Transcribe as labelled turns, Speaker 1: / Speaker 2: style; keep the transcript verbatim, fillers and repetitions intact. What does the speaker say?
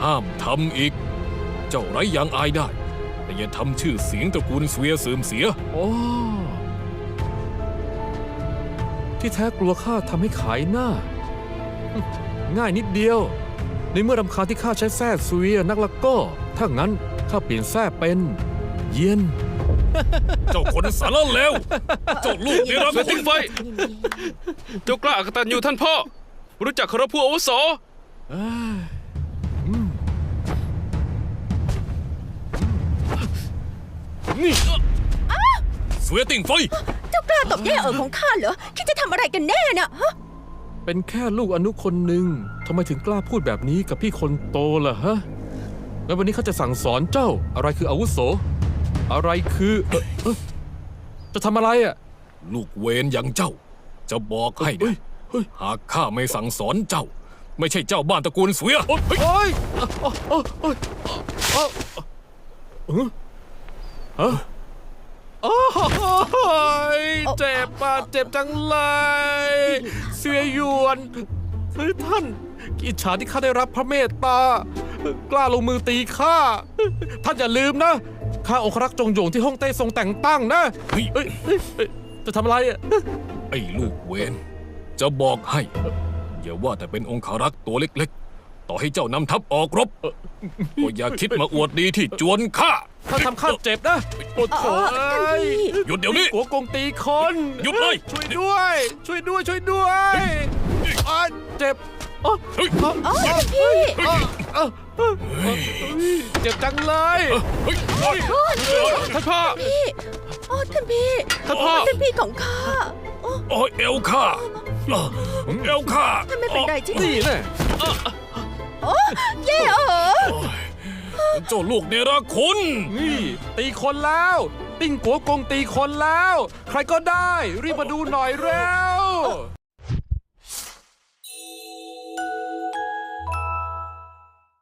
Speaker 1: ห้ามทำอีก เจ้าไร้ยางอายได้ แต่อย่าทำชื่อเสียงตระกูลเสวียเสื่อมเสีย
Speaker 2: โอ้ที่แท้กลัวข้าทำให้ขายหน้า ง่ายนิดเดียว ในเมื่อรำคาญที่ข้าใช้แท้ซุยนักละก็ ถ้างั้นข้าเปลี่ยนแท้เป็น เย็น
Speaker 1: เจ้าคนสารเลวเจ้าลูกนี่รัก
Speaker 3: เสือทิ้งไฟ เจ้ากล้าอกตันอยู่ท่านพ่อ รู้จักเคารพผู้อาวุโส
Speaker 1: นี่เสวียติ่งไฟ
Speaker 4: เจ้ากล้าตบแย่เอ๋อของข้าเหรอคิดจะทำอะไรกันแน่น่ะฮะ
Speaker 2: เป็นแค่ลูกอนุคนหนึ่งทำไมถึงกล้าพูดแบบนี้กับพี่คนโตล่ะฮะงั้นวันนี้ข้าจะสั่งสอนเจ้า อะไรคืออาวุโส อะไรคือเอ่อเอ่อจะทำอะไรอ่ะ
Speaker 1: ลูกเวนอย่างเจ้า จะบอกให้
Speaker 2: เฮ้
Speaker 1: นะ
Speaker 2: ยเฮ้ย
Speaker 1: หากข้าไม่สั่งสอนเจ้า ไม่ใช่เจ้าบ้านตระกูลเสวียเฮ้ย
Speaker 2: โอ้ยโอ้ยโอ้ยโอ้ยโอ้ยเออฮะโอ้ยเจ็บอ่ะเจ็บจังเลยเสียหยวนเฮ้ยท่านอิจฉาที่ข้าได้รับพระเมตตากล้าลงมือตีข้าท่านอย่าลืมนะข้าองครักษ์จงโหยงที่ฮ่องเต้ทรงแต่งตั้งนะ
Speaker 1: เฮ้ย
Speaker 2: เอ้ยเอ้ยเอ้ยจะทำอะไรอ่ะ
Speaker 1: ไอ้ลูกเวนจะบอกให้ อย่าว่าแต่เป็นองคารักษ์ตัวเล็กๆ ต่อให้เจ้านำทัพออกรบก็อย่าคิดมาอวดดีที่จวนข้า
Speaker 2: ถ้าทำข้าเจ็บนะโอ้โถ
Speaker 4: เออท่านพี่
Speaker 1: หยุดเดี๋ยวนี้
Speaker 2: หัวกงตีคน
Speaker 1: หยุดเลย
Speaker 2: ช่วยด้วย ช่วยด้วย ช่วยด้วยอ่ะเจ็บอ๋อ
Speaker 1: เฮ้ย
Speaker 2: อ๋อ
Speaker 4: อ๋อท่านพี่
Speaker 2: อ๋ออ๋อเจ็บจังเลย
Speaker 1: เฮ้ยเฮ้ย
Speaker 4: โอ้ท่านพี่
Speaker 3: ท่านพ่อ
Speaker 4: พี่โอ้ท่านพี่
Speaker 3: ท่านพ่อ
Speaker 4: ท่านพี่ของข้าโอ้
Speaker 1: โอ้ยเอวข้าเอวข้า
Speaker 4: ท่านไม่เป็นไรใช่ไหม
Speaker 2: นี่แน่
Speaker 4: โอ้แย่เอ๋อ
Speaker 1: เจ้าลูกเนรคุณ
Speaker 2: นี่ตีคนแล้ว ติ้งกัวกงตีคนแล้ว ใครก็ได้ รีบมาดูหน่อยเร็ว